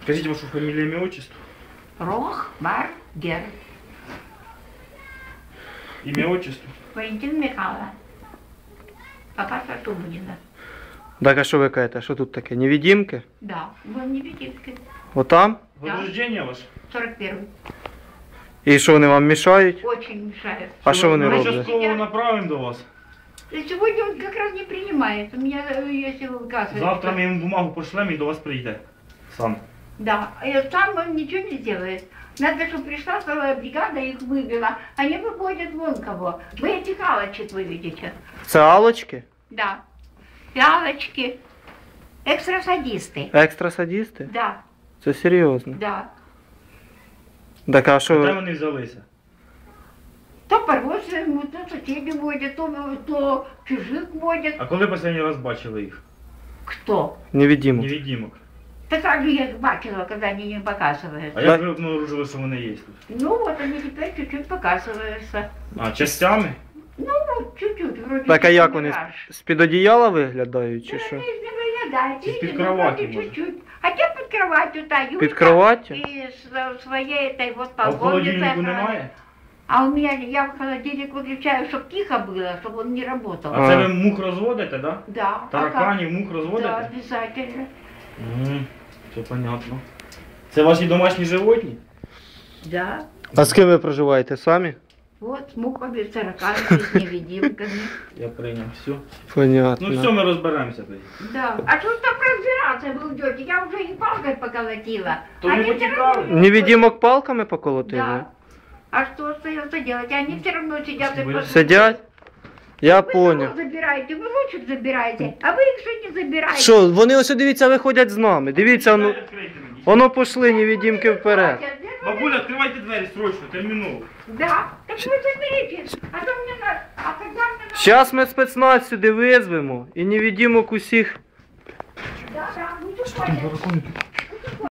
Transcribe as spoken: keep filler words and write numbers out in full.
Скажите вашу фамилию, имя, отчество. Рохбаргер. Имя, отчество. Валентина Михайловна. Папа Шатубудина. Так, а що ви кажете? Що тут таке? Невидимки? Да, был невидимка. Отам? Год рождения ваш? сорок первый. І що вони вам мішають? Очень мешает. А що вони Ми роблять? частково направимо до вас. И сегодня он как раз не принимает. У меня, э, если выказывает. Завтра ми йому бумагу пошлемо і до вас прийде. Сам. Да, и сам он ничего не делает. Надо, чтобы пришла целая бригада, их вывела. Они выводят вон кого. Вы эти галочки вы видите. Це алочки? Да. Галочки. Экстрасадисты. Екстрасадісти? Да, Це серйозно. да. Так, а Де що? вони взялися? То по-родственному, то соседи водят, то, то чужих водят. А коли останній раз бачили їх? Кто? Невидимок. Невидимок. Так как же я их бачила, когда они не показываются. А як ви обнаружили, що вони є тут? Ну вот они теперь чуть-чуть показываются. А, частями? Ну вот чуть-чуть, вроде Так, а как як вони мираж. з-під одіяла виглядають, чи Да, що? они не выглядают, Из-под видите, ну, кровати, вроде может. чуть-чуть. Хотя под кроватью та Юлька. Під кроваттю? И с своей этой вот А в полковницей. холодильнику немає? А у меня, я в холодильник выключаю, чтобы тихо было, чтобы он не работал. А це ви мух розводите, так? Да? Да. Тараканів, мух Да, розводите? обязательно. Мгм, все понятно. Це ваші домашні животні? Да. А з ким ви проживаєте самі? Вот с мухами, с тараканами, с невидимками. Я прийняв, все. Понятно. Ну все, ми розберемося тоді. Да. А что ж там разбираться вы идете? Я уже и палкой поколотила. То не Они всё потекали? равно- Невидимок палками поколотили? Да. А что остается делать? Они все равно сидят и Спасибо. просто- Сидять? Я Вы понял. кого забираете, вы лучше забираете, а вы их что не забираете? Що, вони ось дивіться, виходять з нами. Дивіться, воно, Двері відкрийте мені. воно пішли невидимки вперед. Бабуля, відкривайте двері срочно, терміново. Да, так вы заберите. А то мне надо, а когда мне надо... Зараз ми спецназ сюди визвемо і невидимок усіх. Да, да, ну,